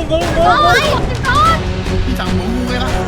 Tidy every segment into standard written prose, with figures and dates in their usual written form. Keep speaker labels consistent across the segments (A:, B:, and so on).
A: โอ้ยนอน
B: พี่จังงูเลยล่ะ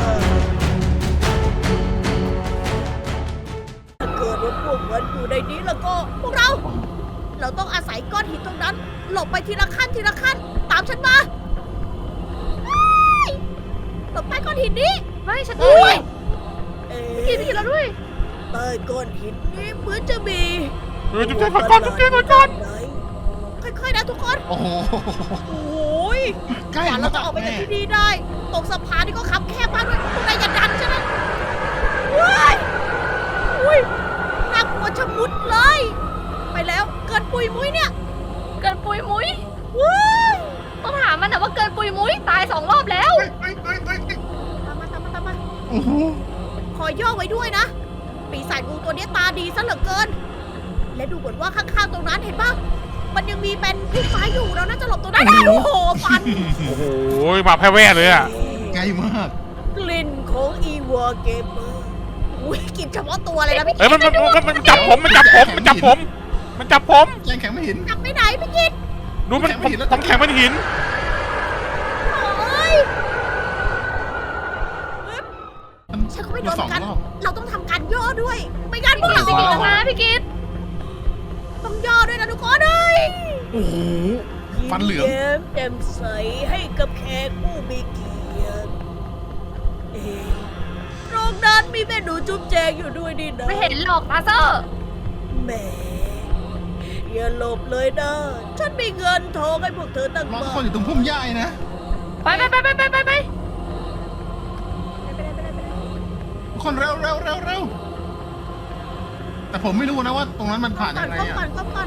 C: ถ้าเกิดว่าพวกมันอยู่ในนี้แล้วก็พวกเราต้องอาศัยก้อนหินตรงนั้น หลบไปทีละขั้นทีละขั้น ตามฉันมาเฮ้ยหลบใต้ก้อนหินนี้
A: ไม่ฉันด้วย
C: เอ๊
A: พี่กินเราด้วย
C: ใต้ก้อนหินนี้เหมือนจะมี
D: จุ๊บแจงก่อนจุ๊บแจงก่อน
C: ค่อยๆนะทุกคน
B: โอ้โห
C: โอ้ย
B: ใกล้
C: กว่าเราจะออกไปจากที่นี่ได้ ตรงสะพานนี่ก็คับแคบมากด้วยพวกนายอย่าดันใช่ไหมว้ายอุ้ยน่ากลัวชะมุดเลย ไปแล้วเกินปุยมุ้ยเนี่ย
A: เกินปุยมุ้ย
C: ว้าย
A: ต้องถามมันนะว่าเกินปุยมุ้ยตาย2 รอบแล้ว
B: เฮ้ย
C: ตามมา
B: โอ้โห
C: ขอย่อไว้ด้วยนะ ปีศาจงูตัวนี้ตาดีซะเหลือเกิน และดูเหมือนว่าข้างๆตรงนั้นเห็นปะมันยังมีเป็นพุ่มไม้อยู่เราน่าจะหลบตรงนั้นได้โอ้โหฟัน
D: โอ้โหมาแพ้แว่เลยอ่ะ
B: ใกล้มาก
C: กลิ่นของอีวอร์เกมเมอร์อุ้ยกลิ่นเฉพาะตัวเลยนะพี่
D: เอ้ยมันจับผมมันจับผม
B: แรงแข็งไม่เห็น
C: จับไปไหนพี่กิต
D: ดูมันผมแข็งมันหิน
C: โอ้ยฉันก็ไม่โดน
B: สอง
C: กัน
B: รอบ
C: เราต้องทำการย่อด้วย ไม่งั้นพวก
A: พี่
C: เรา
A: กินนะพี่กิน
C: ต้องย่อด้วยนะทุกคนเลย
B: โอ้โห ฟันเหลือง
C: ยิ้มแย้มแจ่มใสให้กับแขกผู้มีเกียรติเอ๊ะตรงนั้นมีแม่หนูจุ๊บแจงอยู่ด้วยนี่นะ
A: ไม่เห็นหรอกลาเซอร์
C: แหมอย่าหลบเลยนะ ฉันมีเงินทองให้พวกเธอตั้ง
B: รอ
C: มา
B: ทุกคนอยู่ตรงพุ่มหญ้านะ
A: ไป
B: ทุกคนเร็วแต่ผมไม่รู้นะว่าตรงนั้นมันผ่านยังไง
C: เข้า
B: อ่ะ
C: ก่อน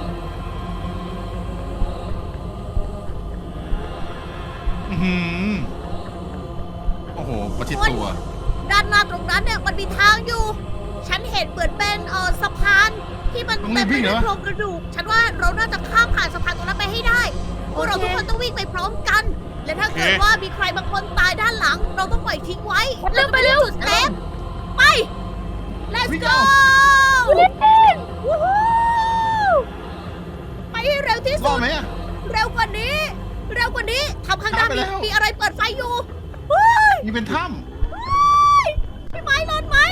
B: อื้อหือโอ้โห ประชิดตัว
C: ด้านหน้าตรงนั้นเนี่ยมันมีทางอยู่ ฉันเห็นเหมือนเป็นสะพานที่มัน
B: ต้องรี
C: เต็ม
B: บ
C: ไป
B: วิ่งเหร
C: ด้ว
B: อ
C: ยโครงกระดูก ฉันว่าเราน่าจะข้ามผ่านสะพานตรงนั้นไปให้ได้พวกเราทุกคนต้องวิ่งไปพร้อมกัน และถ้าเกิดว่ามีใครบางคนตายด้านหลัง เราต้องปล่อยทิ้งไว้
A: เร็วไปเร็ว
C: จุดเซฟไป let's
B: วิ่ง
C: go
B: เอา
C: วู้ฮู้ไปให้เร็วที่
B: ร
C: สุ
B: อด
C: ด
B: ไหมอ่ะ
C: เร็วกว่านี้ทำข้างหน้า
B: ไปแล้ว
C: มีอะไรเปิดไฟอยู่เฮ้ย
B: นี่เป็นถ้
C: พี่ไม้รอดไหม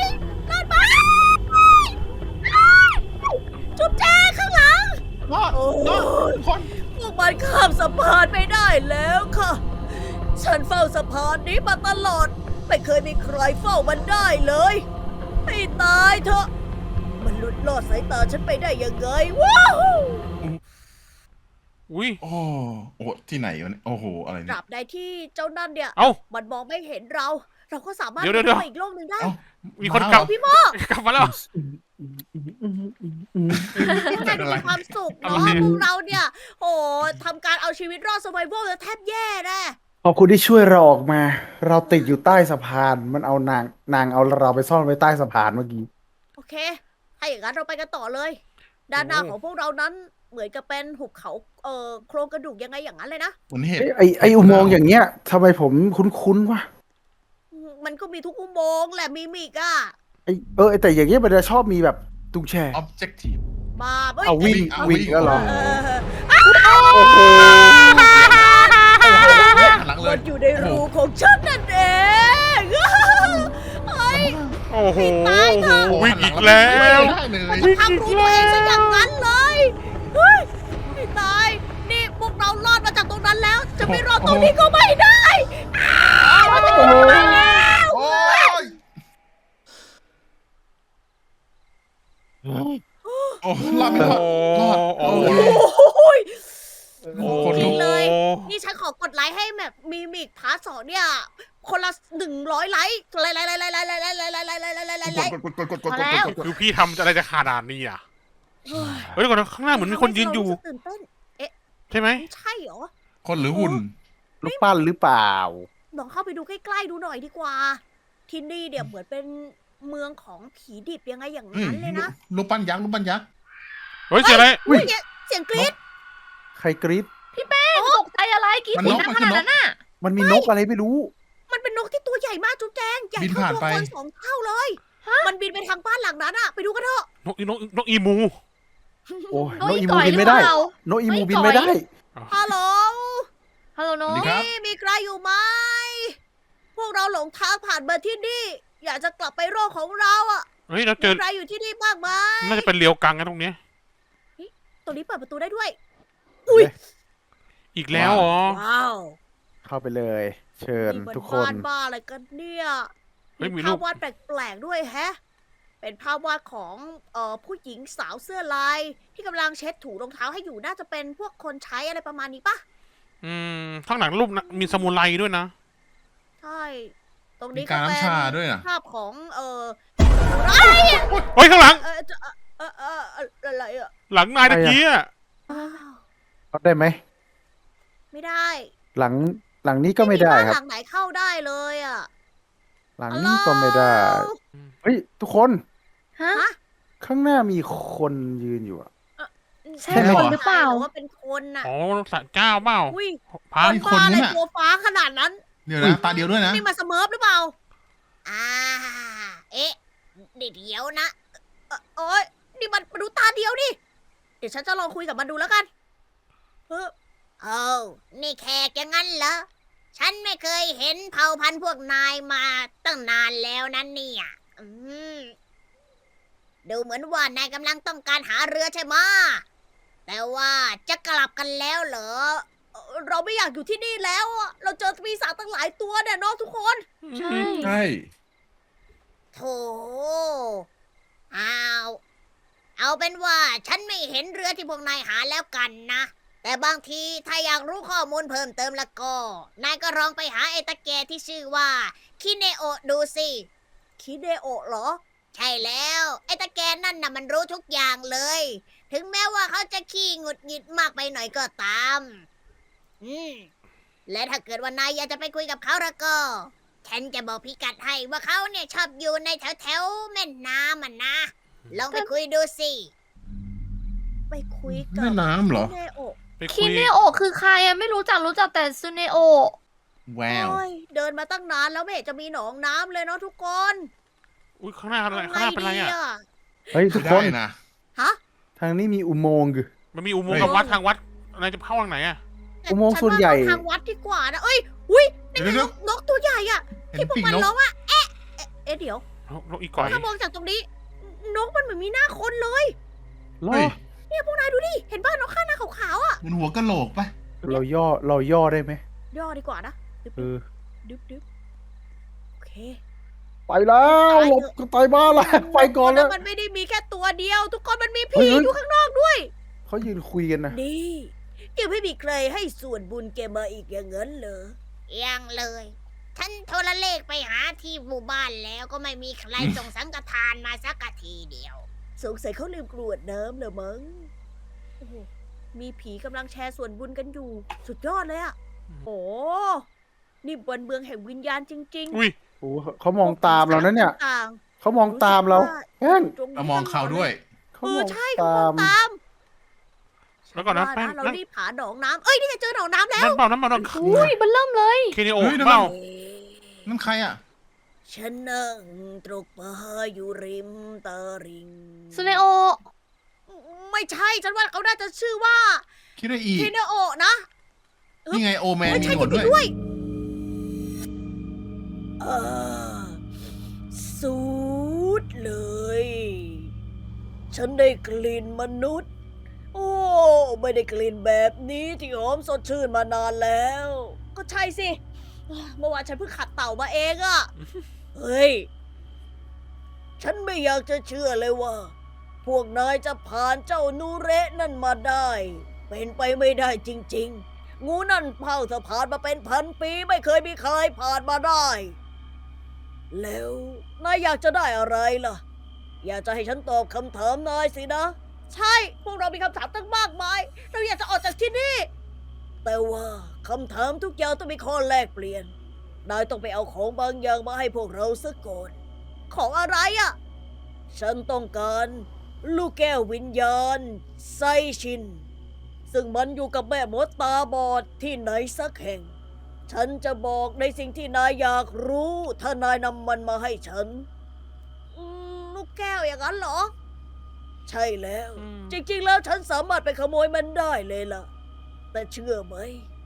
C: จุ๊บแจข้างหลัง
B: ำรอด
C: โอ้
B: รอดทุกคน
C: พวกมันข้ามสะพานไม่ได้แล้วค่ะ ฉันเฝ้าสะพานนี้มาตลอด ไม่เคยมีใครเฝ้ามันได้เลย ให้ตายเถอะ มันหลุดลอดสายตาฉันไปได้ยังไงว้าว
D: อุ้ย
B: โอ้โอ้ที่ไหนวะเนี่ยโอ้โห อะไร
C: ต
B: เนี่
C: ราย บใดที่เจ้านั่นเนี่ย
D: เอ้า
C: มันมองไม่เห็นเรา เราก็สามารถ
D: เดี๋ยว
C: ไปอีกโลกหนึ่งได้
B: เอ้า
D: มีคนกลับ
C: พี่โม
D: กลับมาแล้ว
C: พวกนายดูมีความสุข
D: อะไร
C: เนาะพวกเราเนี่ย โอ้ทำการเอาชีวิตรอด survival แล้วแทบแย่แน่
E: ขอบคุณที่ช่วยเราออกมา เราติดอยู่ใต้สะพาน มันเอานางเอาเราไปซ่อนไว้ใต้สะพานเมื่อกี้
C: โอเค ถ้าอย่างนั้นเราไปกันต่อเลย ด้านหน้าของพวกเรานั้นเหมือนกับเป็นหุบเขาโครงกระดูกยังไงอย่างนั้นเลยนะ
B: เหมือนเห็ด
E: ไออุโมงค์อย่างเงี้ยทำไมผมคุ้นๆวะ
C: มันก็มีทุกอุโมงค์แหละมีมิกอะ
E: แต่อย่างเงี้ยมันจะชอบมีแบบตุ้งแช่
B: objective
C: มาเฮ้ย
E: เอาวิ่ง
B: เอา
E: วิ่ง
B: วิ่ง
E: แล้วเหรอ
C: เออ
E: โอ้โห
B: หลังเล
C: มั
B: ย
C: นอยู่ในรูของฉันนั่นเองเฮ้ย
D: โอ้โห
C: ตายเถอะ
D: วิ่งอีกแล้ว
B: ได้เลย
C: มันทำรูตัวเองซะอย่างนั้นเลยเฮ้ยไม่ตาย นี่พวกเรารอดมาจากตรงนั้นแล้ว จะไม่รอดตรงนี้ก็ไม่ได้อ้าวมันจะอยู่ตรงนั้นแล้ว
B: โอ้ยโอ้รอดไม่รอดรอด
D: โอ้
B: โอ้
D: โห
C: โอ้ย
D: โอ้
C: จริงเลย
D: โห
C: นี่ฉันขอกดไลค์ให้แบบมีมิกพาร์ท2เนี่ย คนละ100 ไลค์ไลค์
D: คือพี่ทำอะไรจะขนาดนี้อ่ะเฮ้ยเดี๋ยวก่อนนะข้างหน้าเหมือนมีคนยืนอยู่
C: ตื่นเต้น
D: ใช่ไหม
C: ใช่เหรอ
B: คนหรือหุ่น
E: ลูกปั้นหรือเปล่า
C: ลองเข้าไปดูใกล้ๆดูหน่อยดีกว่า ที่นี่เนี่ยเหมือนเป็นเมืองของผีดิบยังไงอย่างนั้นเลยนะ
B: รูปปั้นยักษ์รูปปั้นยักษ์
D: เฮ้ยเสียอะไร
E: อุ๊ย
C: เสียงกรี๊ด
E: ใครกรี๊ด
A: ตกใจอะไรกิน
B: มัน
A: สี
B: นก
A: น้ำ
B: มัน
A: ข
B: คือ
A: นาด
B: นก
A: นั้นน่ะ
E: มันมีนกอะไรไม่รู้
C: มันเป็นนกที่ตัวใหญ่มากจุ๊บแจงใหญ่
B: บิน
C: เท่า
B: ผ่าน
C: ตัว
B: ไป
C: คน2 เท่าเลย มันบินไปทางบ้านหลังนั้นอะไปดูกันเถอะ
D: นกอีมู
E: โอ้ย
A: น
E: น
A: ก
E: ก
A: อี
E: อี
A: ก่
E: มู
A: อย
E: บินไม่ได้
A: หรือเปล่า
E: นกอีมูบินไม่ได้
C: ฮัลโหล
A: ฮฮัลโหลโน้
B: สวัสดีครับ
C: นี่มีใครอยู่ไหม พวกเราหลงทางผ่านมาที่นี่ อยากจะกลับไปโลกของเราอ่ะ
D: เฮ้ยเราเจ
C: มี
D: อ
C: ใครอยู่ที่นี่บ้างไหม
D: น่าจะเป็นเรียวกังกันตรงเนี้ย
C: ตรงนี้เปิดประตูได้ด้วย
D: อีกแล้วเหรอ
C: ว้าว
E: เข้าไปเลย เชิญ
C: นี่มัน
E: ทุกค
C: บ้าน นบ้าอะไรกันเนี่ย
D: เฮ้ยมี
C: มี
D: รู
C: ภา
D: ป
C: พวาดแปลกๆด้วยแฮะ เป็นภาพวาดของผู้หญิงสาวเสื้อลาย ที่กำลังเช็ดถูรองเท้าให้อยู่น่าจะเป็นพวกคนใช้อะไรประมาณนี้ปะ
D: ข้างหลังรูปนะมีสมุไรด้วยนะ
C: ใช่ ตรง
B: มี
C: นี้
B: กา
C: ก็
B: ร
C: เป็น
B: น้ำชาด้วยนะ
C: ภาพของ
D: เฮ้ยข้างหลัง
C: อะไรอ่ะ
D: หลังนายตะกี้อะ
E: เข้าได้ไหม
C: ไม่ได้
E: หลังนี้ก็ไม่ได้
C: บ้าน
E: ครับ
C: หลังไหนเข้าได้เลยอ่ะ
E: หลังนี้ก็ไม่ได้ เฮ้ย ทุกคน
A: ฮะ
E: ข้างหน้ามีคนยืนอยู่อะ
A: ใช่
B: ใช่เหรอ
A: คนหรือเปล่า
C: หรือว่าเป็นคนน่ะ
D: อ๋อสัตว์เจ้าเปล่า
C: อุ้ย
D: พระ
B: มี
C: บ้าอะไร
B: คนนู้นน่ะ
C: ตัวฟ้าขนาดนั้น
B: เดี๋ยวนะตาเดียวด้วยนะ
C: นี่มาสเมิร์ฟหรือเปล่า เอ๊ะเดี๋ยวนะโอ้ยนี่มันดูตาเดียวดิ เดี๋ยวฉันจะลองคุยกับมันดูแล้วกันนี่แขกอย่างนั้นเหรอ ฉันไม่เคยเห็นเผ่าพันธุ์พวกนายมาตั้งนานแล้วนั่นเนี่ยดูเหมือนว่านายกำลังต้องการหาเรือใช่ไหมะแต่ว่าจะกลับกันแล้วเหรอ เราไม่อยากอยู่ที่นี่แล้วอะเราเจอปีศาจตั้งหลายตัวเนี่ยเน้องทุกคน
A: ใช่
B: ใช่
C: โถเอาเป็นว่าฉันไม่เห็นเรือที่พวกนายหาแล้วกันนะ แต่บางทีถ้าอยากรู้ข้อมูลเพิ่มเติมแล้วก็ นายก็ลองไปหาไอ้ตะแกที่ชื่อว่าคิเนโอะดูสิคิเนโอะเหรอ ใช่แล้วไอ้ตะแกนั่นน่ะมันรู้ทุกอย่างเลย ถึงแม้ว่าเขาจะขี้หงุดหงิดมากไปหน่อยก็ตาม และถ้าเกิดว่านายอยากจะไปคุยกับเขาแล้วก็ ฉันจะบอกพิกัดให้ว่าเขาเนี่ยชอบอยู่ในแถวแม่น้ำมันนะ ลองไปคุยดูสิ ไปคุยกับ
B: แม่น้ำเหรอ
C: เนโอะ
D: ไปคุ
A: คิ
D: ย
A: เนโอะคือใครอะไม่รู้จักแต่ซูเนโอะ
B: แวว
C: โอ้ยเดินมาตั้งนานแล้วไม่เห็นจะมีหนองน้ำเลยเนาะทุกคน
D: อุ้ยข้างหน้าอะไรข้างหน้าเป็นอะไรอ่ะ
E: เฮ้ย ทุก
B: ไม่
E: ค
B: ได้
E: น
B: นะ
C: ฮะ
E: ทางนี้มีอุโมงค์อยู่
D: มันมีอุโมงค์กับวัดทางวัดนายจะเข้าทางไหนอ่ะ
E: อุโมงค์ส่วนใหญ่
C: ฉัาเข้าทางวัดดีกว่านะเอ้ยอุ้ยนี่
B: เดี๋ยว
C: ไง
B: เดี๋ยว
C: นกตัวใหญ่อะ
B: เห็น
C: ที่พวก
B: ปีก
C: มัน
B: นก
C: ร้องว่าเอ๊ะเดี๋ยว
D: นกอีก่อย
C: ถ้ามองจากตรงนี้ นกมันเหมือนมีหน้าคนเลย
E: รอ
B: เฮ้ย
C: เนี่ยพวกนายดูดิ เห็นบ้านนกข้างหน้าขาวๆอ่ะ
B: มันหัวกะโหลกปะ
E: เราย่อได้ไหม
C: ย่อดีกว่านะดึบ
E: เออ
C: ดึบโอเค
E: ไปแล้วหลบก็ตายบ้านละไปก่อนแล้ว
C: มันไม่ได้มีแค่ตัวเดียว ทุกคนมันมี
E: เฮ้
C: ผี
E: ย
C: อยู่ข้างนอกด้วย
E: เขายืนคุยกันนะ
C: นี่ยังไม่มีใครให้ส่วนบุญแกมาอีกอย่างนั้นเหรอ ยังเลย ฉันโทรเลขไปหาที่หมู่บ้านแล้วก็ไม่มีใครส่งสังฆทานมาสักทีเดียว สงสัยเขาลืมกรวดน้ำเลยมั้งโอ้โหมีผีกำลังแชร์ส่วนบุญกันอยู่ สุดยอดเลยอะโอ้นี่บนเมืองแห่งวิญญาณจริง
D: อุ้ย
E: โอ้เขามองตามเรานะเนี่ย
C: ต่าง
E: เขามองตามเราแป้ง
C: ๆตรงนี้
B: เรามองเขาด้วย
E: เขา
C: เอ
E: ม
C: อ
E: อง
C: ใช่เขา
E: ตาม
C: องตาม
D: แล้วก่อนนะ
C: ว่า
D: แป้ง
C: เรา
D: นั่น
C: รีบหาหนองน้ำเอ้ยนี่ไงเจอหนองน้ำแล้ว
D: นั่นเปล่านั่นเปล่านั่น
A: อุ้ยมันเริ่มเลย
D: เคเนโอ
B: เฮ้ย
D: เปล่า
B: นั่นใครอ่ะ
C: ฉันนั่งตรกปลาอยู่ริมตลิ่ง
A: ซูเนโอะ
C: ไม่ใช่ฉันว่าเขาน่าจะชื่อว่า
B: คิดว่าอี
C: เทเนโอะนะ
B: นี่ไงโอแมน
C: ไม่
B: มี
C: ใช่
B: หนวด
C: จริ
B: ด้วย
C: งๆด้วยสูดเลย ฉันได้กลิ่นมนุษย์ โอ้ไม่ได้กลิ่นแบบนี้ที่หอมสดชื่นมานานแล้ว ก็ใช่สิ เมื่อวานฉันเพิ่งขัดเต่ามาเองอะเฮ้ย ฉันไม่อยากจะเชื่อเลยว่า พวกนายจะผ่านเจ้านูเระนั่นมาได้ เป็นไปไม่ได้จริงๆ งูนั่นเผ่าสะพานมาเป็นพันปีไม่เคยมีใครผ่านมาได้ แล้วนายอยากจะได้อะไรล่ะ อยากจะให้ฉันตอบคำถามนายสินะ ใช่ พวกเรามีคำถามตั้งมากมาย เราอยากจะออกจากที่นี่ แต่ว่าคำถามทุกอย่างต้องมีข้อแลกเปลี่ยน นายต้องไปเอาของบางอย่างมาให้พวกเราซะก่อน ของอะไรอะ ฉันต้องการลูกแก้ววิญญาณไซชิน ซึ่งมันอยู่กับแม่มดตาบอดที่ไหนสักแห่ง ฉันจะบอกในสิ่งที่นายอยากรู้ถ้านายนำมันมาให้ฉัน ลูกแก้วอย่างนั้นเหรอ ใช่แล้ว จริงๆแล้วฉันสามารถไปขโมยมันได้เลยล่ะ แต่เชื่อไหม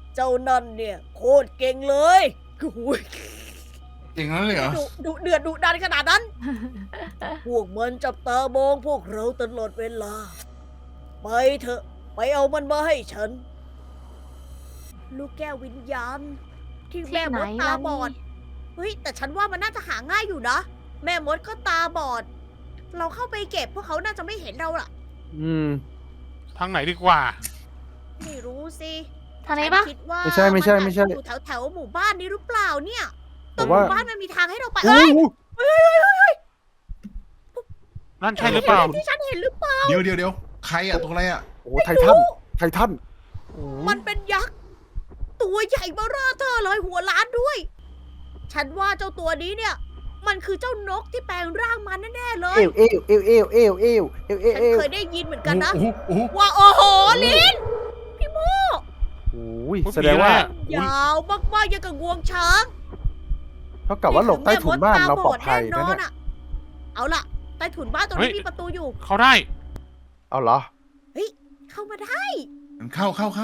C: เจ้านั่นเนี่ยโคตรเก่งเลยโอ้ย
B: จริงนั้นเลยเหรอ
C: ดุเดือดดุดันขนาดนั้น พวกมันจับตามองพวกเราตลอดเวลา ไปเถอะ ไปเอามันมาให้ฉัน ลูกแก้ววิญญาณ ที่แม่มดตาบอด เฮ้ย แต่ฉันว่ามันน่าจะหาง่ายอยู่นะ แม่มดก็ตาบอด เราเข้าไปเก็บพวกเขาน่าจะไม่เห็นเราล่ะ
E: อืม
D: ทางไหนดีกว่า
C: ไม่รู้สิ
A: ทางนี้ปะ
C: ฉัคิดว่า
E: ไม่ใช่ไม่ใช่ไม่ใช่
C: นอาจจะอยู่แถวๆหมู่บ้านนี้หรือเปล่าเนี่ย
E: แต่
C: ตรงห
E: ว่า
C: มู่บ้านมันมีทางให้เราไป
E: โอ้
C: เอ้ย
D: นั่นใช่หรือเปล่า
C: ที่ฉันเห็นหรือเปล่า
B: เดี๋ยวใครอะตัวอะไรอะ
E: โหไททันไททันโอ้
C: มันเป็นยักษ์ ตัวใหญ่เบ้อเร่อเธอเลยหัวล้านด้วย ฉันว่าเจ้าตัวนี้เนี่ย มันคือเจ้านกที่แปลงร่างมาแน่ๆเลย
E: เอวเอวเอวเอวเอวเอวเอวเอว
C: ฉัน
E: เอว
C: เคยได้ยินเหมือนกันนะ
B: โอ้โห
C: ว่าโอ้โหลินพี่โม
E: โอ้ย
D: อุ๊ย
E: แสดงว่า
D: ผีอะไรอะ
C: ยาวมากๆอย่างกับงวงช้าง
E: เท่ากับว่าหลบใต้ถุนบ้านเราปลอดภัย
C: แน่
E: นะ
C: นอ
E: เนี่
C: น
E: ย
C: อะเอาล่ะ ใต้ถุนบ้านตรงนี้มีประตูอยู่
D: เขาได้
E: เอาเหรอ
C: เข้ามาได้
B: มันเข้า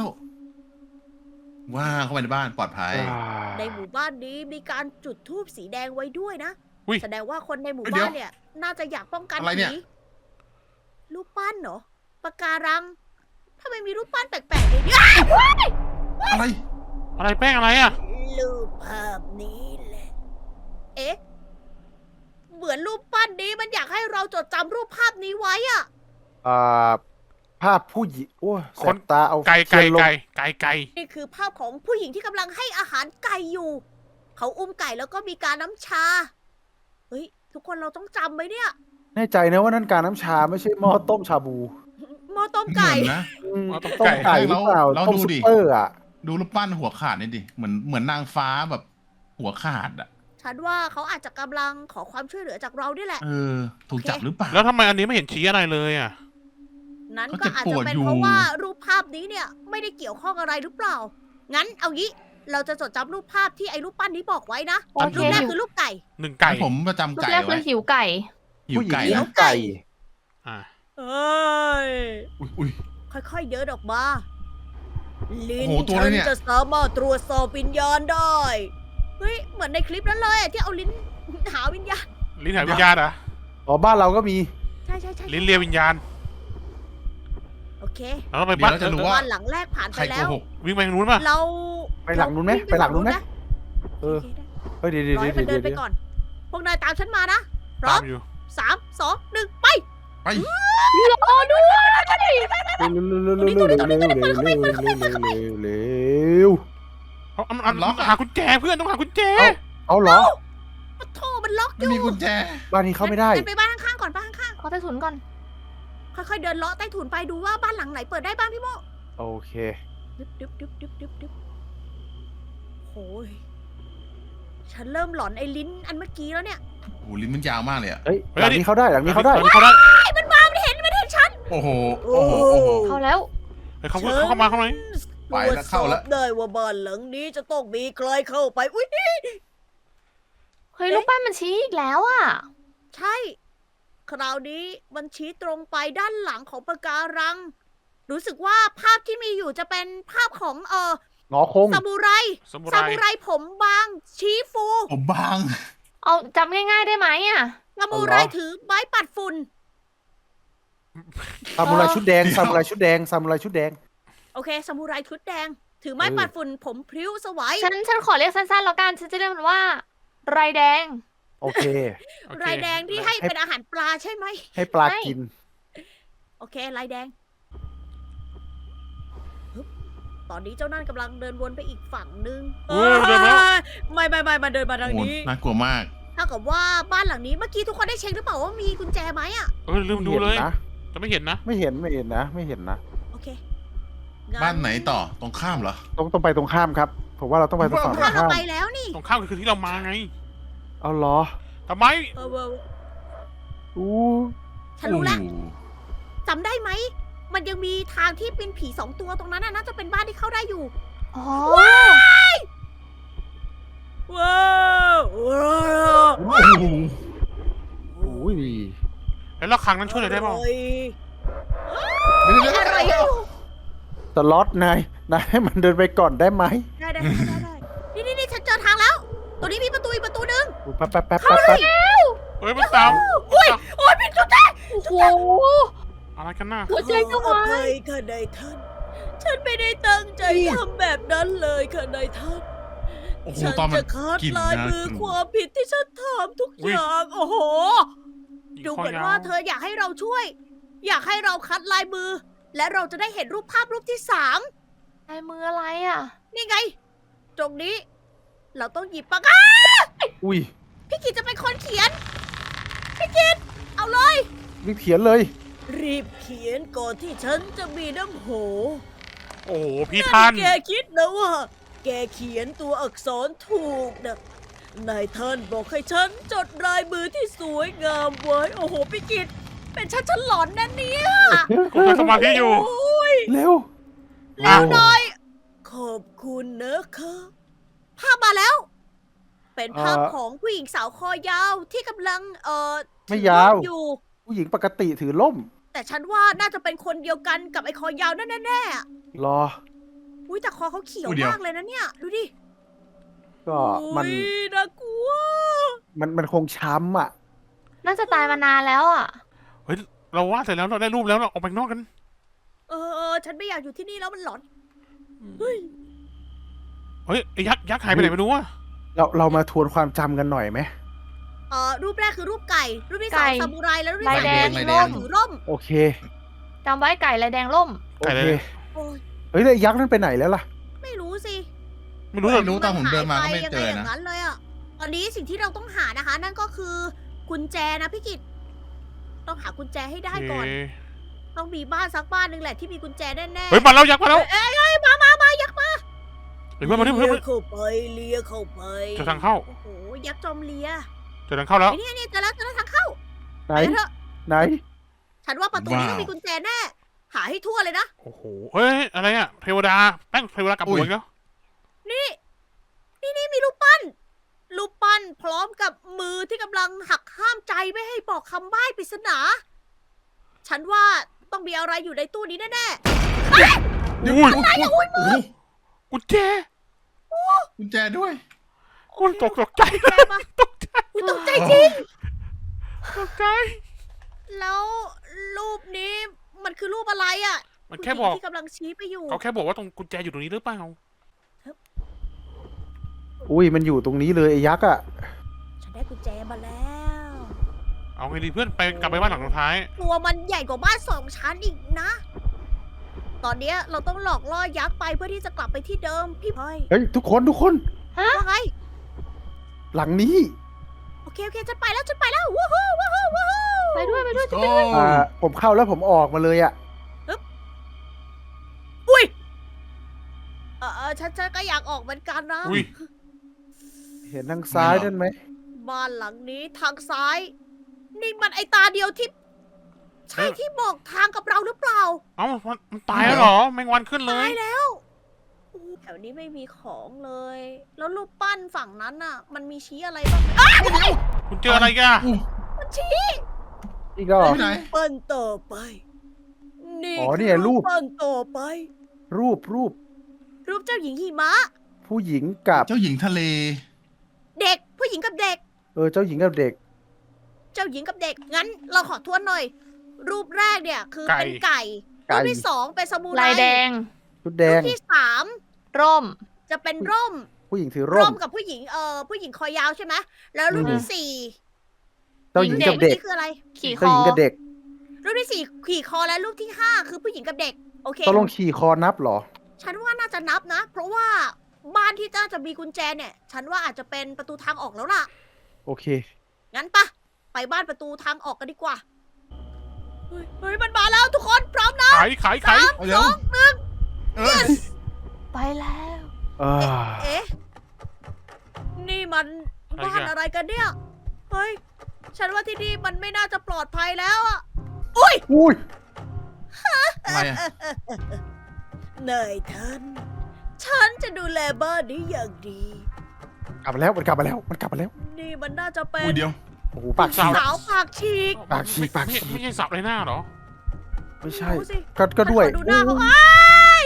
B: ว้าเข้าไปในบ้านปลอดภัย
C: ในหมู่บ้านนี้มีการจุดธูปสีแดงไว้ด้วยนะ
D: อุ๊ย
C: แสดงว่าคนในหมู่
B: เดี๋
C: บ้า
B: ยว
C: นเนี่ย น่าจะอยากป้องกัน
B: อะไรเนี่ย
C: ผีรูปปั้นเหรอปะการังทำไมมีรูปปั้นแปลกๆในนี้
B: อะไร
D: อะไรแป้งอะไรอ่ะ
C: รูปภาพนี้แหละ เอ๊ะ เหมือนรูปปั้นนี้มันอยากให้เราจดจำรูปภาพนี้ไว้อะ
E: อ่าภาพผู้หญิงโอ้ยแส
D: คน
E: บตาเอา
D: ไก่
E: เทียนลง
D: ไก่
C: นี่คือภาพของผู้หญิงที่กำลังให้อาหารไก่อยู่ เขาอุ้มไก่แล้วก็มีการน้ำชา เฮ้ย ทุกคนเราต้องจำไว้เนี่ย
E: แน่ใจนะว่านั่นการน้ำชาไม่ใช่หม้อต้มชาบู
C: หม้อต้ม
B: เห
C: ไก่
B: มือนนะ
E: อืม
D: หม้อต้ม
E: ต้ม
D: ไก่
E: ไก่หรือเปล่า
B: เรา
E: ต้ม
B: ดู
E: ซุป
B: ดิ
E: เปอร์อ่ะ
B: ดูรูปปั้นหัวขาดนี่ดิเหมือนนางฟ้าแบบหัวขาดอะ
C: ฉันว่าเขาอาจจะกำลังขอความช่วยเหลือจากเราด้วยแหละ
B: ถูกจับหรือเปล่า
D: แล้วทำไมอันนี้ไม่เห็นชี้อะไรเลยอ่ะ
C: นั้น
B: เขา
C: ก็
B: เจ็บ
C: อาจ
B: ป
C: จะ
B: วด
C: เป็น
B: อยู่
C: เพราะว่ารูปภาพนี้เนี่ย ไม่ได้เกี่ยวข้องอะไรหรือเปล่า งั้นเอางี้ เราจะจดจำรูปภาพที่ไอ้รูปปั้นนี้บอกไว้นะ
A: โอเค
C: รูปแรกคือรูปไก่
D: 1 ไก่
B: งั้นผมประจำ
A: รูป
B: ไก่
A: แรกคื
B: ไว้
A: อหิวไก่
B: หิว
E: ผู้หญิง
B: ไก่
E: เลี้ย
B: นะ
E: งไก่
D: อ่า
C: เอ้ย
B: อุ้ย
C: ค่อยๆเดินออกมา ลิ้น
B: โอ้โหตัว
C: ฉั
B: อะไร
C: น
B: เนี่ย
C: จะสามารถตรวจสอบวิญญาณได้ เฮ้ย เหมือนในคลิปนั้นเลยอะที่เอาลิ้นหาวิญญาณ
D: ลิ้นหายวิญญาณเหรอ
E: อ๋อบ้านเราก็มี
C: ใช่ใช่ใช่
D: ลิ้นเลียวิญญาณ
C: โอเค
D: เราต้องไป
B: เดี๋
D: บ้าย
B: วน เราจะรู้ว่า
C: บ้านหลังแรกผ่าน
B: ใค
C: ไป
B: รโก
C: แล้ว
B: หก
D: วิ่งไปทางนู้นป่ะ
C: เรา
E: ไปหลังนู้นไหมไปหลังนู้นไหม เออ
C: โอเคได้
E: เฮ้ยเดี๋ยว
C: รอให้มันเดินไป
E: เดี๋ยว
C: ก่อน พวกนายตามฉันมานะพร้อ
D: ตาม มอยู่
C: 3 2 1 ไป
B: ไป
A: รอด้วย
E: เร็ว
D: หากุญแจเพื่อนต้องหากุญแจ
E: เอาเหรอ
C: โทรมันล็อกอ
B: ไม่
C: ยู่
B: มีกุญแจ
E: บ้านนี้เข้าไม่ได้
C: งั้นไปบ้านข้างๆก่อนบ้านข้าง
A: ขอใต้ถุนก่อน
C: ๆค่อยๆเดินเลาะใต้ถุนไปดูว่าบ้านหลังไหนเปิดได้บ้างพี่โม
E: โอเค
C: ดึบโอ้ยฉันเริ่มหลอนไอ้ลิ้นอันเมื่อกี้แล้วเนี่ย
B: โอ้โหลิ้นมันยาวมากเลยอะ
E: เฮ้ยหลังนี้เข้าได้หลังนี้เข้าได้
D: เขาได้
C: มันเห็นฉัน
B: โอ้โหโอ้โหโอ้โห
A: เข้าแล้ว
D: เฮ้ยเขาเข้ามา
B: ไปแล้วเข้าแล้ว
C: ตรจสอบได้ว่าบ้านหลังนี้จะต้องมีใครเข้าไป อุ้ย
A: เฮ้ยรูปปั้นมันชี้อีกแล้วอ่ะ
C: ใช่ คราวนี้มันชี้ตรงไปด้านหลังของปะการัง รู้สึกว่าภาพที่มีอยู่จะเป็นภาพของ
E: งอคง
C: ซามูไร
D: สมุ
C: ซา
D: ไร
C: มูไรผมบาง ชี้ฟู
B: ผมบาง
A: เอาจำง่ายๆได้ไหมอ่ะ
C: ซามูไรถือไม้ปัดฝุ่น
E: ซามูไรชุดแดงซามูไรชุดแดงซามูไรชุดแดง
C: โอเคซามูไรชุดแดง ถือไม้ปัดฝุ่น ผมพริ้วสวัย
A: ฉันขอเรียกสั้นๆแล้วกัน ฉันจะเรียกมันว่า ไรแดง
E: โอเค
D: โอเค
C: ลายแดงที่ให้เป็นอาหารปลาใช่ไหม
E: ให้ปลากิน
C: โอเคลายแดงฮึบตอนนี้เจ้านั่นกำลังเดินวนไปอีกฝั่งนึง
D: เออเดินมาแล้ว
C: ไม่มันเดินมาทาง
B: โอ้โห
C: นี้
B: น่ากลัวมาก
C: ถ้ากับว่าบ้านหลังนี้เมื่อกี้ทุกคนได้เช็คหรือเปล่าว่ามีกุญแจไหมอ่ะ
D: ลืมดูเลย
E: นะ
D: จะไม่เห็นนะ
E: ไม่เห็นนะ ไม่เห็นนะ
C: โอเค
B: บ้านไหนต่อตรงข้ามเหรอ
E: ต้องไปตรงข้ามครับผมว่าเราต้องไปตรงฝั่งตร
C: ถ้าง เรา
E: ข้าม
C: ไปแล้วนี่
D: ตรงข้ามคือที่เรามาไง
E: เอาเหรอ
D: ทำไม
E: อู้
C: ฉันรู้แล้ว
B: โอ้โห
C: จำได้ไหม มันยังมีทางที่เป็นผี2 ตัวตรงนั้นน่ะน่าจะเป็นบ้านที่เข้าได้อยู่
A: อ๋อ
C: ว้าวว้าว
B: โอ้โห
E: อุ้ย
D: แล้วระฆังนั้นช่วยอะไรได้บ้าง
B: เดี๋ยว
C: อะไรอยู่
E: สล็อตนายนายให้มันเดินไปก่อนได้ไหม
C: ได้นี่ฉันเจอทางแล้ว ตัวนี้มีประตูอีกประตูหนึง
E: แป๊บแป๊บแป๊บ
C: เข้า
E: แป๊บ
C: เลย
D: เฮ้ยมันตาม
C: อุ้ยโอ้ยผิดจุดแท้
A: โอ้โห
D: อะไรกันน่ะ
A: หัวใจจะ
C: ขอ
A: วา
C: อภั
A: ย
C: ยค่ะนายท่าน ฉันไม่ได้ตั้งใจทำแบบนั้นเลยค่ะนายท่าน
B: โอ้โห
C: ฉัน
B: ตอนมัน
C: จะคัด
B: กลิ่น
C: ลาย
B: นะ
C: มือก
B: ลิ่น
C: ความผิดที่ฉันทำทุกอย่าง โอ้โห ดูเหมือนว่าเธออยากให้เราช่วย อยากให้เราคัดลายมือ และเราจะได้เห็นรูปภาพรูปที่ 3
A: ลายมืออะไรอ่ะ
C: นี่ไง ตรงนี้ เราต้องหยิบปากกา
E: อุ้ย
C: พี่กิจจะเป็นคนเขียน พี่กิจเอาเลย
E: รีบเขียนเลย
C: รีบเขียนก่อนที่ฉันจะมีน้ำโห
D: โอ้โหพี่ท่าน
C: แกคิดนะว่า แกเขียนตัวอักษรถูกนะนายท่านบอกให้ฉันจดลายมือที่สวยงามไว้ โอ้โหพี่กิจเป็นฉันหลอนนะเนี่ย
D: กูทำสมาธิอยู่
C: โอ้ย
E: เร็ว
C: แล้วหน่อย ขอบคุณนะคะภาพมาแล้ว เป็นภาพของผู้หญิงสาวคอยาวที่กำลัง
E: ไม่
C: ถือย
E: าว
C: ร่มอยู่
E: ผู้หญิงปกติถือล่ม
C: แต่ฉันว่าน่าจะเป็นคนเดียวกันกับไอ้คอยาวนั่นแน่ๆอะ
E: รอ
C: อุ้ยแต่คอเขาเขียว
B: อุ้ยเดี๋ยว
C: มากเลยนะเนี่ย ดูดิ
E: ก็มัน
C: อุ๊ยน่ากลัว
E: มันคงช้ำอ่ะ
A: น่าจะตายมานานแล้วอ่ะ
D: เฮ้ยเราวาดเสร็จแล้วเราได้รูปแล้วเราออกไปข้างนอกกัน
C: ฉันไม่อยากอยู่ที่นี่แล้วมันหลอน เฮ้ย
D: เฮ้ยไอ้ยักษ์หายไปไหนไม่รู้อะ
E: เรามาทวนความจำกันหน่อยไหม
C: รูปแรกคือรูปไก่ รูปที่
A: ไก่
C: 2ซามูไรแล้วรูปที่
A: ลาย
C: สาม
A: แดง
C: เป็น
A: ร่ม
C: ถือร่ม
E: โอเค
A: จำไว้ไก่ลายแดงร่ม
E: โอ
D: ไก่
E: เค
D: เลย
C: โอ้ย
E: เฮ้ยแล้วไอ้ยักษ์นั่นไปไหนแล้วล่ะ
C: ไม่รู้สิ
D: ไม่รู้เลย
B: ไม่รู้ตอนผมเดินมาก็ไม่
C: ยัง
B: เจ
C: ไง
B: อ
C: อย่าง
B: นะ
C: นั้นเลยอ่ะ ตอนนี้สิ่งที่เราต้องหานะคะ นั่นก็คือกุญแจนะพี่กิตต้องหากุญแจให้ได้ก่อน
D: เอ๊ะ
C: ต้องมีบ้านสักบ้านหนึ่งแหละที่มีกุญแจแน่ๆ
D: เฮ้ยมาแล้วยักษ์มาแล้ว
C: เอ้ยมายักษ์มา
D: เฮ้ยเพื่อนมาดิเพื่อน
C: เลียเข้าไปเลียเข้าไป
D: เจอทางเข้า
C: โอ้โห ยักษ์จอมเลีย
D: เจอทางเข้าแล้ว
C: ไอ้นี่เจอแล้วทางเข้า
E: ไหน
C: ไปเถอะ
E: ไหน
C: ฉันว่าประตูนี้ต้องมีกุญแจแน่ หาให้ทั่วเลยนะ
D: โอ้โหเฮ้ยอะไรอะเทวดาแป้งเทวดากลับหัวอีกแล้ว
C: นี่มีรูปปั้น รูปปั้นพร้อมกับมือที่กำลังหักห้ามใจไม่ให้บอกคำใบ้ปริศนา ฉันว่าต้องมีอะไรอยู่ในตู้นี้แน่
D: อุ้ย
B: โอ้โห
D: กุญแจ
B: กุญแจด้วย
D: โอ้ยตกใจ
C: ๆแย่ปะอุ๊ยตกใจจริง
D: ตกใจ
C: แล้วรูปนี้มันคือรูปอะไรอ่ะ
D: มันแค่บอก
C: ผู้หญิงที่กำลังชี้ไปอยู่
D: เขาแค่บอกว่าตรงกุญแจอยู่ตรงนี้หรือเปล่า
E: อุ้ยมันอยู่ตรงนี้เลยไอ้ยักษ์อ่ะ
C: ฉันได้กุญแจมาแล้ว
D: เอาไงดีเพื่อนไปกลับไปบ้านหลังสุดท้าย
C: ตัวมันใหญ่กว่าบ้าน2 ชั้นอีกนะ ตอนเนี้ยเราต้องหลอกล่อยักษ์ไปเพื่อที่จะกลับไปที่เดิมพี่พลอย
E: เฮ้ยทุกคน
C: ว่าไง
E: หลังนี้
C: โอเคฉันไปแล้ววู้ฮู้
A: ไปด้วย
B: โอ้
E: ผมเข้าแล้วผมออกมาเลยอ่ะ
C: อุ้ยฉันก็อยากออกเหมือนกันนะ
D: อุ้ย
E: เห็นทางซ้ายนั่นไหม
C: บ้านหลังนี้ทางซ้าย นี่มันไอตาเดียวที่ ใช่ที่บอกทางกับเราหรือเปล่า
D: เอ้ามันตายแล้วเหรอแมงวันขึ้นเล
C: ตาย ยแล้วแถวนี้ไม่มีของเลย แล้วรูปปั้นฝั่งนั้นน่ะ มันมีชี้อะไรบ้างไหม
D: คุณเจออะไรกัน
C: มันชี้
E: อีกแล้ว
B: ที่ไหน
C: ปั้นต่อไป นี่
E: อ๋อเนี่ยรูป
C: ปั้นต่อไป
E: รูป
C: รูปเจ้าหญิงหิมะ
E: ผู้หญิงกับ
B: เจ้าหญิงทะเล
C: เด็กผู้หญิงกับเด็ก
E: เจ้าหญิงกับเด็ก
C: เจ้าหญิงกับเด็ก งั้นเราขอทวนหน่อย รูปแรกเนี่ยคือเป็นไก่
E: ไก่
C: รูปที่2เป็นซามูไร
A: ลายแดง
E: ชุดแด
C: รู
E: ง
C: ปที่3
A: ร่ม
C: จะเป็นร่ม
E: ผู้หญิงถือร่ม
C: กับผู้หญิงผู้หญิงคอยาวใช่ไหมแล้วรูปที่
E: เจ้าหญิงกับ
C: 4
E: เด็ก
C: นี่คืออะไร
A: ขี่ค
E: เจ้า
A: อ
E: หญิงกับเด็ก
C: รูปที่ 4 ขี่คอและรูปที่ 5 คือผู้หญิงกับเด็ก โอเค
E: ต้องลงขี่คอนับเหรอ
C: ฉันว่าน่าจะนับนะ เพราะว่าบ้านที่น่าจะมีกุญแจเนี่ย ฉันว่าอาจจะเป็นประตูทางออกแล้วล่ะ
E: โอเค
C: งั้นปะไปบ้านประตูทางออกกันดีกว่า เฮ้ยมันมาแล้วทุกคนพร้อมนะ
D: ขาย
B: เอาเดี๋ยวเออ
A: ไปแล้ว
C: เอ๊ะ นี่มันบ้านอะไรกันเนี่ย เฮ้ย ฉันว่าที่นี่มันไม่น่าจะปลอดภัยแล้วอะอุ้ย
E: อุ้ย
B: อะไรอะ
C: นายท่าน ฉันจะดูแลบ้านนี้อย่างดี
E: กลับมาแล้วมันกลับมาแล้วมันกลับมาแล้ว
C: นี่มันน่าจะเป็น
B: อุ้ยเดี๋ยว
E: โอ้โหปากฉีก
C: สาวปากฉีก
E: ปากฉีกปากฉีก
D: ไม่ใช่สับเลยหน้าเหรอ
E: ไม่ใช่
C: ดูสิ
E: ก็ด้วย
C: ฉันขอดูหน้าเขา
E: โอ้ย
C: อ้ายโ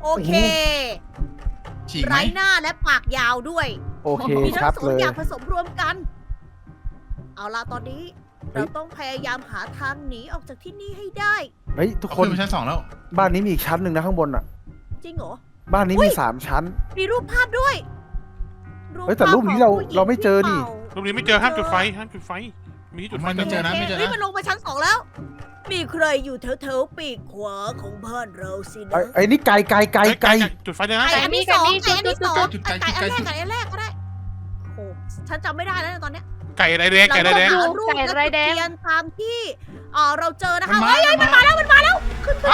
C: โอเค
B: ฉีกไหม
C: ไร้หน้าและปากยาวด้วย
E: โอเค
C: มีทั้
E: ชั
C: ง
E: ด
C: สอ
E: เล
C: ง
E: ย
C: อย่างผสมรวมกัน เอาล่ะตอนนี้
E: เฮ้ย
C: เราต้องพยายามหาทางหนีออกจากที่นี่ให้ได้
E: เฮ้ยทุก
B: เอา
E: คน
B: ขึ้นไปชั้น 2แล้ว
E: บ้านนี้มีอีกชั้นหนึ่งนะข้างบนอ่ะ
C: จริงเหรอ
E: บ้านนี้
C: อุ๊
E: มี
C: ย
E: 3 ชั้น
C: มีรูปภาพด้วย
E: เฮ้ยแต่รูปนี้เรา
C: ภพของผู้หญิง
E: เราไม่เจอดิ
C: ที่ป่า
D: รูปนี้ไม่เจอห้ามจุดไฟห้ามจุดไฟ มีที่จุดไฟ
B: ไม่เจอนะ
C: โค
B: ไม่เจอนะ
C: เฮ้ยมันลงมาชั้น 2 แล้ว มีใครอยู่แถวๆปีกขวาของบ้านเราสินะ
E: ไอ้นี่ไกล
D: จุดไฟเลยนะ
C: ไก่อันที่สอง
A: ไก่
C: ไก่อันที่สอง
B: จุดไก่
C: ไก่อันแรก
B: จุดไก่
C: ไก่อันแรกก็ได้โอ้ฉันจำไม่ได้แล้วนะตอนเนี้ย
D: ไก่ไรแดงไก่ไรแดง
C: เราต้องหารูป
A: ไก่
C: และ
A: ไร
C: จุด
A: แดง
C: เทียนตามที่เราเจอนะคะ
B: มันมา
C: เฮ้ยมันมาแล้วมันมาแล้วขึ้น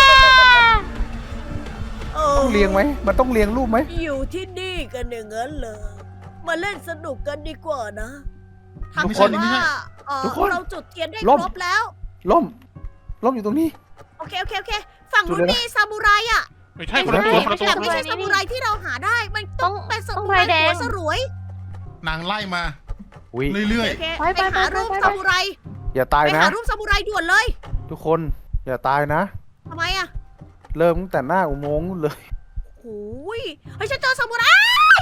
E: ต้องเรียงไหมมันต้องเรียงรูปไหม
C: อยู่ที่นี่กันอย่างนั้นเลยมาเล่นสนุกกันดีกว่านะ
B: ทุก
C: ทำ
B: คน
C: ว่า
B: ไม่ใช่
E: ทุกคน
C: เราจุดเทียนได้
E: ล่ม
C: ครบแล้ว
E: ล่มอยู่ตรงนี้
C: โอเคฝั่ง
E: จุ
C: นู้
E: ด
C: น
E: เลยนะ
C: มีซามูไรอ่ะ
D: ไม่ใช่คนละตัวคนละตัว
C: แต่ไม่ใช่ซามูไรที่เราหาได้ มันต้องเป็นซามูไรหัวสรวย
B: นางไล่มา
E: อุ้ย
B: เรื่อย
C: โอเค
A: ไป
C: ไปหารูปซามูไร
E: อย่าตาย
C: ไป
E: นะ
C: หารูปซามูไรด่วนเลย
E: ทุกคนอย่าตายนะ
C: ทำไมอ่ะ
E: เริ่มตั้งแต่หน้าอุโมงค์นู่นเลย
C: โอ้ยเฮ้ยฉันเจอซามูไร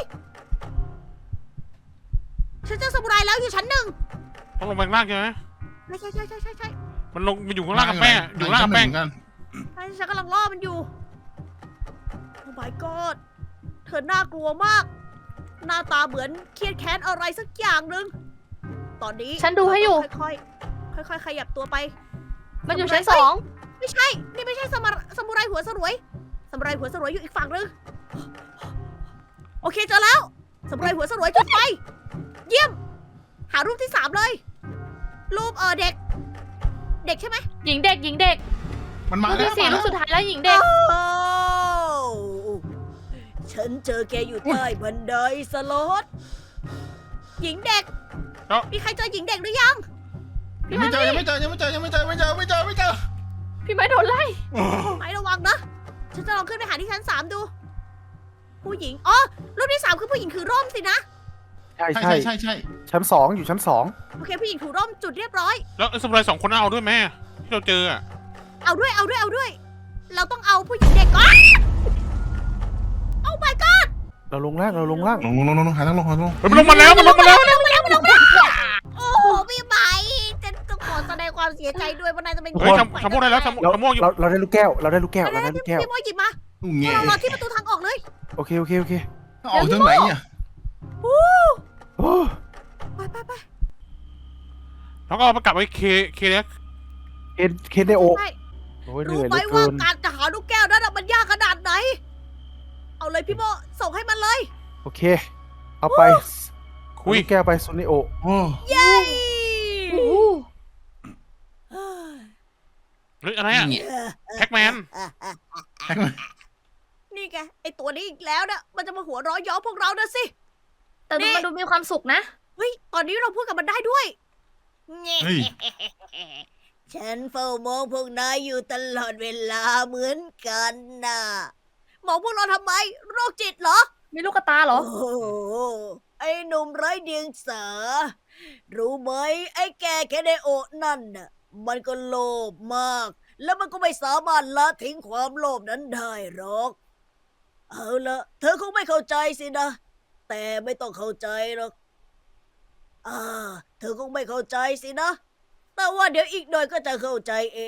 C: ฉันเจอซามูไรแล้วอยู่ชั้น 1
D: ต้องลงไปข้างล่างใช่ไหม
C: ใช่
D: มันลงมันอยู่
B: ๆ
D: ข้างล่างกับแป้งอยู่ข้างล่างกับแป้ง
B: กัน
C: ฉันกำลังล่อมันอยู่ โอ้ my god เธอน่ากลัวมาก หน้าตาเหมือนเครียดแค้นอะไรสักอย่างหนึ่งตอนนี้
A: ฉันดูให้อยู่
C: ค่อยๆค่อยๆขยับตัวไป
A: มันอยู่ชั้น
C: ซามูไร
A: 2
C: ไม่ใช่ นี่ไม่ใช่ซามูไรหัวสรวยซามูไรหัวสรวยอยู่อีกฝั่งหนึงโอเคเจอแล้วซามูไรหัวสรวยจุดไฟเยี่ยม หารูปที่ 3 เลย รูปเด็ก เด็กใช่ไหม
A: หญิงเด็กหญิงเด็ก
B: มันมา
A: รูป
B: แล้ว
A: ที่สี่
B: มา
A: รู
B: แล้
A: ป
B: ว
A: สุดท้ายแล้วหญิงเด็ก
C: โอ้ฉันเจอแกอยู่ใต้บันไดสลดหญิงเด็ก มีใครเจอหญิงเด็กหรือยัง
B: ยังไม่เจอ ไม่เจอ
A: พี่ไม้โดนไล่
C: ไหมระวังนะ ฉันจะลองขึ้นไปหาที่ชั้น 3 ดู ผู้หญิง อ๋อ รูปที่ 3 คือผู้หญิงถือร่มสินะ
E: ใช่
B: ใช่
E: ใช่
B: ใช่
E: ชั้น 2อยู่ชั้น
C: โอเค ผู้หญิงถือร่มจุดเรียบร้อย
D: แล้วสมุไร2 คนเอาด้วยแม่ที่เราเจออะ
C: เอาด้วย เราต้องเอาผู้หญิงเด็กก่อนโอ้ my god
E: 2เราลงล่าง
B: ลงหาทางลง
D: เฮ้ยมันลงมาแล้วมันลงมาแล้ว
C: โอ้โหพี่ไหมฉันต้องขอแสดงความเสียใจด้วยว่านายจะเป็น
D: เฮ้ยชมพู่ได้แล้วชมพู่อยู่
E: เราได้ลูกแก้วเราได้ลูกแก้ว
C: พี่โมหยิบมา
B: เงี้ย
C: เรารอที่ประตูทางออกเลย
E: โอเค
B: ออกทางไหนอ่ะ
E: โอ้
C: ไป
D: แล้วก็เอาไปกลับไปเคเล็ก
E: เคนไดโอ
C: ใช่
E: โอ้ยเห
C: รู้
E: นื่อยเห
C: ไหม
E: ลือ
C: ว่า
E: เกิน
C: การจะหาลูกแก้วนั้นนะมันยากขนาดไหน เอาเลยพี่โมส่งให้มันเลย
E: โอเค เอาไป
D: คุย
E: ลูกแก้วไปซูนิโอ
B: โอ้
C: เย้
D: เฮ้ยอะไรอ่ะแพ็กแมน
C: นี่ไงไอตัวนี้อีกแล้วนะมันจะมาหัวเร้อยย้อพวกเรานะสิ
A: แต่ดูมันดูมีความสุขนะ
C: เฮ้ย ตอนนี้เราพูดกับมันได้ด้วย
B: เฮ้ย
C: ฉันเฝ้ามองพวกนายอยู่ตลอดเวลาเหมือนกันนะมองพวกเราทำไม โรคจิตเหรอ
A: มีลูกกระตาเหรอ
C: โอ้โหไอ้หนุ่มไร้เดียงสา รู้ไหมไอ้แกแคเดโอะนั่นน่ะ มันก็โลภมาก แล้วมันก็ไม่สามารถละทิ้งความโลภนั้นได้หรอก เอาละเธอคงไม่เข้าใจสินะ แต่ไม่ต้องเข้าใจหรอกเธอคงไม่เข้าใจสินะ แต่ว่าเดี๋ยวอีกหน่อยก็จะเข้าใจเอง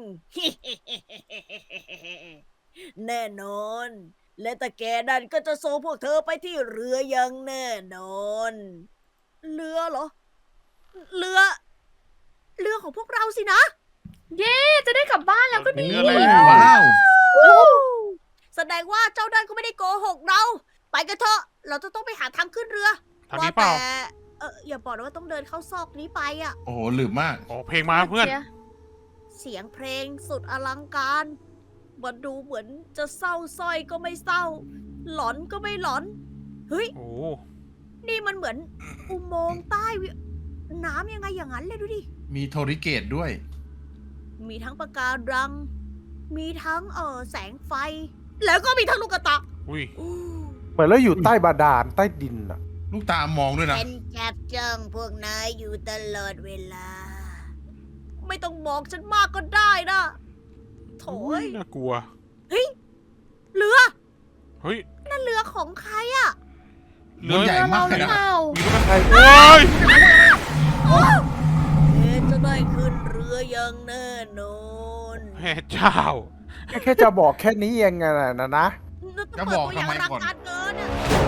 C: แน่นอน และตาแกนั่นก็จะส่งพวกเธอไปที่เรืออย่างแน่นอน เรือเหรอ เรือของพวกเราสินะ
A: เย้จะได้กลับบ้านแล้วก็ดี
D: เรืออะไร
B: ว้าว
C: แสดงว่าเจ้านั่นก็ไม่ได้โกหกเรา ไปกันเถอะ เราจะต้องไปหาทางขึ้นเรือ
D: ทางนี้เปล่า
C: ว่าแต่อย่าบอกนะว่าต้องเดินเข้าซอกนี้ไปอะ
B: โอ้โหหลืมมาก
D: โอ้เพลงมาเพื่อน
C: เสียงเพลงสุดอลังการมันดูเหมือนจะเศร้าสร้อยก็ไม่เศร้า หลอนก็ไม่หลอน เฮ้ย
D: โอ้
C: นี่มันเหมือนอุโมงค์ใต้น้ำยังไงอย่างนั้นเลยดูดิ
B: มีโทริเกตด้วย
C: มีทั้งปะการัง มีทั้งแสงไฟ แล้วก็มีทั้งลูกกระตา
D: อุ้ย
E: เหมือนเราอยู่ใต้บาดาลใต้ดินอ่ะ
B: ลูกตามองด้วยนะ
C: เป็นจับจ้องพวกนายอยู่ตลอดเวลา ไม่ต้องบอกฉันมากก็ได้นะโถย
D: น่ากลัว
C: เรือ
D: เฮ้ย
C: นั่นเรือของใครอะ
B: เรือใหญ่มาก
A: ห
B: เล
A: รื
B: ย
A: อเป
B: นะ
A: ล่า
D: มีรถไฟโอ้ย
C: จะได้ขึ้นเรืออย่างแน่นอน
D: แม่เจ้า
E: แค่จะบอกแค่นี้เองไงนะ
B: จะบอกทำไมก่อน
C: เปิดตัวอย่างรักการเกินอะ